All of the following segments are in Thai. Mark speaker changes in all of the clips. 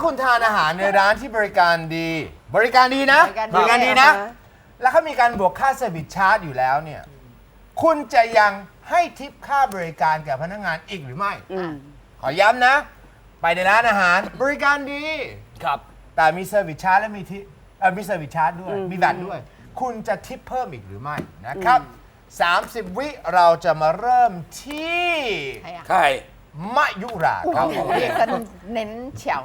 Speaker 1: คุณทานอาหารในร้านที่บริการดี บริการดีนะ บริการดีนะ แล้วเขามีการบวกค่าเซอร์วิสชาร์จอยู่แล้วเนี่ยคุณจะยังให้ทิปค่าบริการแก่พนักงานอีกหรือไม่ขอย้ำนะ ไปในร้านอาหารบริการดี
Speaker 2: ครับ
Speaker 1: แต่มีเซอร์วิสชาร์จและมีทิปมีเซอร์วิสชาร์จด้วยมีแบตด้วย คุณจะทิปเพิ่มอีกหรือไม่นะครับ30 วิเราจะมาเริ่มที่
Speaker 2: ใคร
Speaker 1: มะยุราครับ
Speaker 3: เรียกกันเน้นเฉียว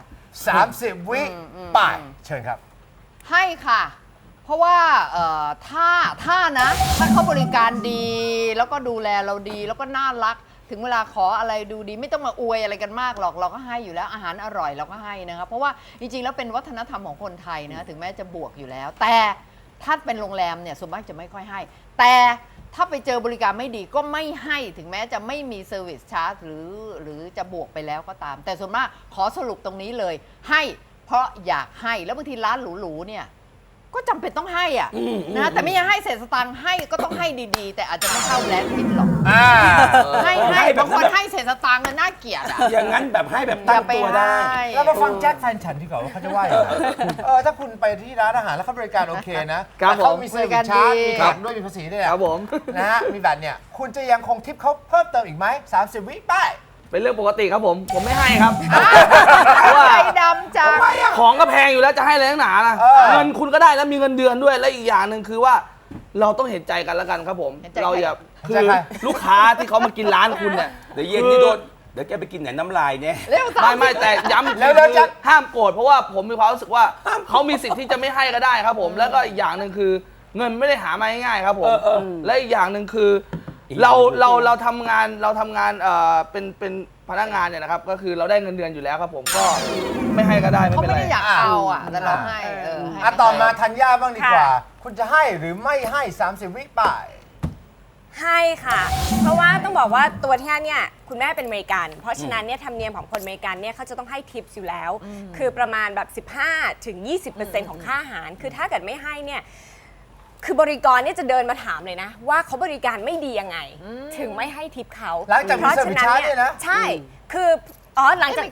Speaker 1: 30 วิไปเชิญครับ
Speaker 3: ให้ค่ะ เพราะว่าถ้านะ ถ้าเขาบริการดีแล้วก็ดูแลเราดีแล้วก็น่ารัก ถึงเวลาขออะไรดูดีไม่ต้องมาอวยอะไรกันมากหรอกเราก็ให้อยู่แล้วอาหารอร่อยเราก็ให้นะครับเพราะว่าจริงๆแล้วเป็นวัฒนธรรมของคนไทยนะถึงแม้จะบวกอยู่แล้ว แต่ถ้าเป็นโรงแรมเนี่ยส่วนมากจะไม่ค่อยให้ แต่ถ้าไปเจอบริการไม่ดีก็ไม่ให้ถึงแม้จะไม่มีเซอร์วิสชาร์จหรือจะบวกไปแล้วก็ตาม แต่ส่วนมากขอสรุปตรงนี้เลยให้เพราะอยากให้แล้วบางทีร้านหรูๆเนี่ยก็จำเป็นต้องให้อ่ะนะแต่ไม่ใช่ให้เศษสตังค์ให้ก็ต้องให้ดีๆ แต่อาจจะไม่เข้าแบรนด์ทิปหรอกให้บางคนให้เศษสตังค์น่าเกลียดอ่ะ
Speaker 2: อย่างนั้นแบบให้แบบตั้งตัวได้
Speaker 1: แล้วมาฟังแจ็คแฟนฉันดีกว่าว่าเขาจะว่าอย่างไรถ้าคุณไปที่ร้านอาหารแล้วเขาบริการโอเคนะแต่เขามีเซอร์วิสชาร์จมีแบตด้วยมีภาษีด้วยครับผมนะฮะมีแบตเนี่ยคุณจะยังคงทิปเขาเพิ่มเติมอีกไหม30 วิไป
Speaker 4: เป็นเรื่องปกติครับผมไม่ให้ครับ
Speaker 3: ใจดำจัง
Speaker 4: ของก็แพงอยู่แล้วจะให้อะไรนักหนาล่ะเงินคุณก็ได้แล้วมีเงินเดือนด้วยและอีกอย่างหนึ่งคือว่าเราต้องเห็นใจกันแล้วกันครับผม
Speaker 3: เห็นใจ
Speaker 4: เราอย่า
Speaker 1: เห็น
Speaker 4: คื
Speaker 1: ใจ
Speaker 4: อ
Speaker 1: ใคร
Speaker 4: ลูกค้าที่เขามากินร้านคุณเนี่ย
Speaker 2: เดี๋ยวเย็นนี่โดนเดี๋ยวแกไปกินไหนน้ำลายเนี่ย
Speaker 3: เร็ว
Speaker 4: ไม่แต่ย้ำ
Speaker 1: แล้ว
Speaker 4: คือ
Speaker 1: จะ
Speaker 4: ห้ามโกรธเพราะว่าผมมีความรู้สึกว่าเขามีสิทธิ์ที่จะไม่ให้ก็ได้ครับผมแล้วก็อีกอย่างหนึ่งคือเงินไม่ได้หามาง่ายๆครับผมและอีกอย่างหนึ่งคือเราทำงานเป็นพนักงานเนี่ยนะครับก็คือเราได้เงินเดือนอยู่แล้วครับผมก็ไม่ให้ก็ได้ไม่
Speaker 3: เขา
Speaker 4: เป็น
Speaker 3: ไม่
Speaker 4: ไร
Speaker 3: ได้อยากเอาอ่ะแต่เราให้ให้
Speaker 1: ต่อมาธัญญาบ้างดีกว่า คุณจะให้หรือไม่ให้30 วิไป
Speaker 5: ให้ค่ะ เพราะว่าต้องบอกว่าตัวที่เนี่ยคุณแม่เป็นอเมริกัน เพราะฉะนั้นเนี่ยธรรมเนียมของคนอเมริกันเนี่ยเขาจะต้องให้ทิปอยู่แล้ว คือประมาณแบบ15-20%ของค่าอาหาร คือถ้าเกิดไม่ให้เนี่ยคือบริกรเนี่ยจะเดินมาถามเลยนะ ว่าเขาบริการไม่ดียังไง ถึงไม่ให้ทิปเขา
Speaker 1: หลังจากมีเซอร์วิสชาร์จเนี่ยนะ
Speaker 5: ใช่คือหลังจาก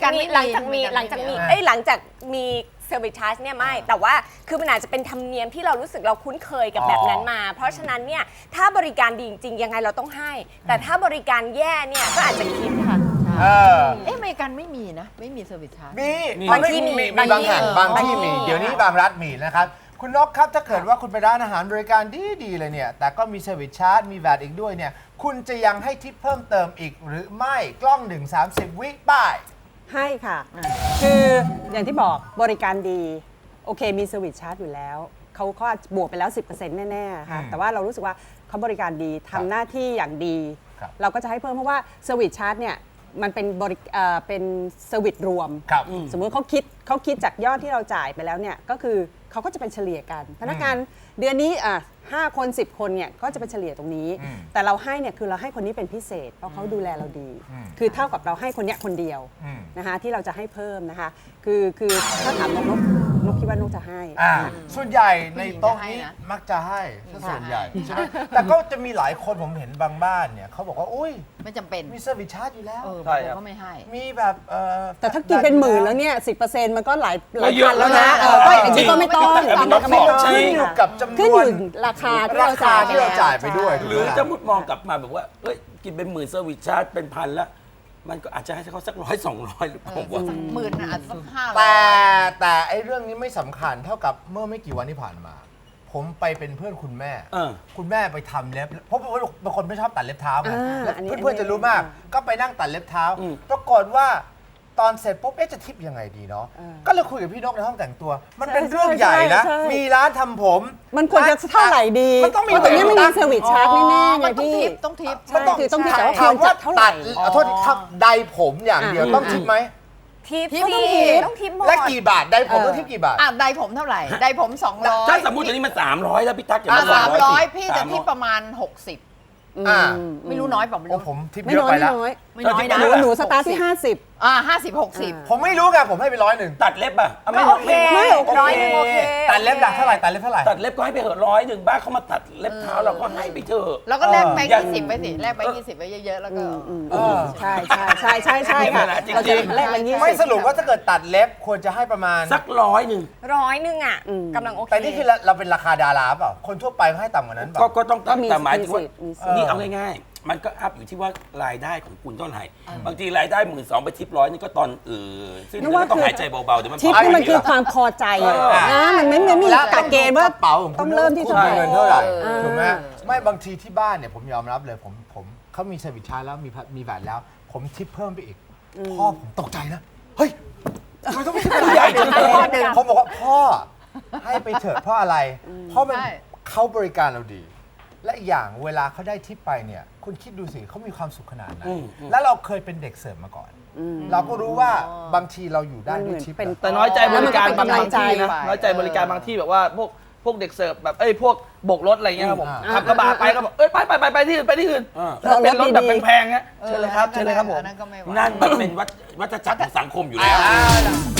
Speaker 5: มีเซอร์วิสชาร์จเนี่ยไม่แต่ว่าคือมันอาจจะเป็นธรรมเนียมที่เรารู้สึกเราคุ้นเคยกับแบบนั้นมา เพราะฉะนั้นเนี่ยถ้าบริการดีจริงๆยังไงเราต้องให้ แต่ถ้าบริการแย่เนี่ยก็อาจจะคิดค่ะ
Speaker 3: อเมริกันไม่มีนะไม่มีเซอร์วิสชาร์จ
Speaker 1: มี
Speaker 5: บางที่มี
Speaker 1: บางแห่งบางที่มี
Speaker 5: บางที่
Speaker 1: เดี๋ยวนี้บางรัฐมีนะครับ คุณนกครับถ้าเกิดว่าคุณไปร้านอาหารบริการดีเลยเนี่ยแต่ก็มีเซอร์วิสชาร์จมีแวตอีกด้วยเนี่ยคุณจะยังให้ทิปเพิ่มเติมอีกหรือไม่กล้อง30 วิป้าย
Speaker 6: ให้ค่ะ คืออย่างที่บอกบริการดี โอเคมีเซอร์วิสชาร์จอยู่แล้ว เขาก็บวกไปแล้ว 10% แน่ๆค่ะ แต่ว่าเรารู้สึกว่าเขาบริการดีทำหน้าที่อย่างดี เราก็จะให้เพิ่มเพราะว่าเซอร์วิสชาร์จเนี่ยมันเป็นเป็นเซอร์วิสรวม สมมุติเขาคิดจากยอดที่เราจ่ายไปแล้วเนี่ยก็คือเขาก็จะเป็นเฉลี่ยกัน พนักงานเดือนนี้5 คน 10 คนเนี่ยก็จะเป็นเฉลี่ยตรงนี้ แต่เราให้เนี่ยคือเราให้คนนี้เป็นพิเศษเพราะเขาดูแลเราดี คือเท่ากับเราให้คนเนี้ยคนเดียวนะคะที่เราจะให้เพิ่มนะคะคือถ้าถามนกคิดว่านกจะให้
Speaker 1: ส่วนใหญ่ในโต๊ะนี้มักจะให้ส่วนใหญ่ใช่ไหมแต่ก็จะมีหลายคนผมเห็นบางบ้านเนี่ยเขาบอกว่าอุ้ย
Speaker 3: ไม่จำเป็น
Speaker 1: มีเซอร์วิสชาร์จอยู่แล้ว
Speaker 3: บางคนก็ไม่ให้
Speaker 1: มีแบบ
Speaker 6: แต่ถ้ากินเป็นหมื่นแล้วเนี่ย10%มันก็หลาย
Speaker 2: เยอะ
Speaker 6: พันแล้วนะ
Speaker 2: แล้วนะ
Speaker 6: ก็อย่างนี้ก็ไม่ต้อง
Speaker 1: ก็ไม่ต้องขึ้นอยู่กับจำน
Speaker 6: ขึ้น
Speaker 1: ว
Speaker 6: อน ยู่ราคาที่
Speaker 1: รา
Speaker 6: เรา
Speaker 1: คา
Speaker 6: จ่าย
Speaker 1: ที่เราจ่ายไปด้วย
Speaker 2: หรือจะมุดมองกลับมาแบบว่าเอ้ยกินเป็นหมื่นเซอร์วิสชาร์จเป็นพันแล้วมันก็อาจจะให้เขาสัก100-200หรือเปล่าวะ
Speaker 3: หมื่นอาจจะ500
Speaker 1: แต่ไอ้เรื่องนี้ไม่สำคัญเท่ากับเมื่อไม่กี่วันที่ผ่านมา ผมไปเป็นเพื่อนคุณแม่ คุณแม่ไปทำเล็บเพราะบางคนไม่ชอบตัดเล็บเท้าไงแล้วเพื่อนๆจะรู้มาก ก็ไปนั่งตัดเล็บเท้าปรากฏว่าตอนเสร็จปุ๊บจะทิปยังไงดีเนาะก็เลยคุยกับพี่นกในห้องแต่งตัว มันเป็นเรื่องใหญ่นะมีร้านทำผม
Speaker 6: มันควรจะเท่าไหร่ดี
Speaker 1: มันต้องมี
Speaker 6: เพราะตรงนี้ไม่มีเซอร์วิสชาร์จแน่ๆไง
Speaker 3: มันต้อง
Speaker 6: พี่
Speaker 3: ทิปต้องทิป
Speaker 1: มันต้อง
Speaker 6: คือต้องทิปแต่ว่า
Speaker 1: ถามว่า
Speaker 6: เท่าไหร่
Speaker 1: ตัดโทษทับใดผมอย่างเดียวต้องทิปไหม
Speaker 5: ทิป
Speaker 3: ทิป
Speaker 5: สิ
Speaker 3: ต้องทิป
Speaker 5: ต้องทิปหมด
Speaker 1: และกี่บาทใดผมต้องทิปกี่บาท
Speaker 3: ไดผมเท่าไหร่ไดผม200
Speaker 2: ถ้าสมมติตอนนี้มัน300แล้วพี่ตั๊กอย่ามา
Speaker 3: 300พี่จะทิปประมาณ60ไม่รู้น้อยเปล่าไม่
Speaker 1: โอ้
Speaker 3: รู้
Speaker 1: ผมทิป
Speaker 6: ไม่
Speaker 1: เยอะ
Speaker 6: น้อย
Speaker 1: ไป
Speaker 6: ไม่
Speaker 1: แล้ว
Speaker 6: น้อย
Speaker 3: ไม่ไม่น้อยนะ
Speaker 6: หนูสตาร์ทที่ 50
Speaker 3: 50-60
Speaker 1: ผมไม่รู้ไงผมให้ไป100
Speaker 2: ตัดเล็บอ่ะ
Speaker 5: ก็โอเค
Speaker 6: ไม่โอเค
Speaker 5: 100โอเค
Speaker 1: ตัดเล็บหลักเท่าไหร่ตัดเล็บเท่าไหร่
Speaker 2: ตัดเล็บก็ให้ไปเหอะ100บ้าเขามาตัดเล็บเท้าเราก็ให้ไปเถอะ
Speaker 3: แล้วก็แลกแบงค์
Speaker 2: อย่าง
Speaker 3: 20ไปสิแลกแบงค์20ไปเยอะๆแล้วก็
Speaker 6: ใช่ใช่ใช่ใช่ใช่ค่ะ
Speaker 2: จริงๆ
Speaker 6: เราจะแลกเป็น20
Speaker 1: ไม่สรุปว่าถ้าเกิดตัดเล็บควรจะให้ประมาณ
Speaker 2: สัก100
Speaker 5: 100อ่ะกำลังโอเค
Speaker 1: แต่นี่คือเราเป็นราคาดาราเปล่าคนทั่วไปเขาให้ต่ำกว่านั้นเปล่า
Speaker 2: ก็ต้องตัด
Speaker 6: ก็มี
Speaker 2: แต่หมายถึงว่า
Speaker 6: มีสิทธิ์
Speaker 2: นี่เอาง่ายๆ มันก็อัพอยู่ที่ว่ารายได้ของคุณเท่าไหร่บางทีรายได้12,000ไปทิป100นี่ก็ตอนซึ่ง
Speaker 6: นึกว่า
Speaker 2: ก็ต้อง
Speaker 6: คือ
Speaker 2: หายใจเบาๆเดี๋ยวมัน
Speaker 6: ทิปนี่มันคือความพอใจนะมันไม่มีกฎเกณฑ์ว่า
Speaker 1: กระเป๋าของ
Speaker 6: ต้
Speaker 1: คุ
Speaker 6: อง
Speaker 1: ณ
Speaker 6: เริ่มที่
Speaker 1: คุณ
Speaker 6: เท่าไหร่
Speaker 1: มีเงินเท่าไหร่
Speaker 6: เออ
Speaker 1: ถูกไหมไม่บางทีที่บ้านเนี่ยผมยอมรับเลยผมเขามีเซอร์วิสชาร์จแล้วมีแบตแล้ว ผมทิปเพิ่มไปอีกพ่อผมตกใจนะเฮ้ยทำไมต้องไปทิป
Speaker 2: ใหญ่จังเลย
Speaker 1: ผมบอกว่าพ่อให้ไปเถอะเพราะอะไรเพราะมัน
Speaker 3: ใช่
Speaker 1: เขาบริการเราดี และอีกอย่างเวลาเขาได้ทิปไปเนี่ยคุณคิดดูสิเขามีความสุขขนาดไหนแล้วเราเคยเป็นเด็กเสิร์ฟมาก่อน เราก็รู้ว่าบางทีเราอยู่ได้ด้วยทิป
Speaker 6: เป็น
Speaker 1: นะ
Speaker 4: แต่น้อยใจบริการบางที่นะ
Speaker 3: แล้วมันก็เป็นกำลังใจ
Speaker 4: น้อยใจบริการบางที่แบบว่าพวกเด็กเสิร์ฟแบบพวกโบกรถอะไรเงี้ยครับผม
Speaker 1: อ่า
Speaker 4: ขับกระบะไปก็บอกไปที่อื่นไปที่อื่นแล้วเป็นรถแบบแพงๆเงี้ยเชิญเลยครับเชิญเลยครับผม
Speaker 3: อันนั้นก็ไม่ไหว
Speaker 2: นั่นมันเป็นวัฏจักรของสังคมอยู่แล้ว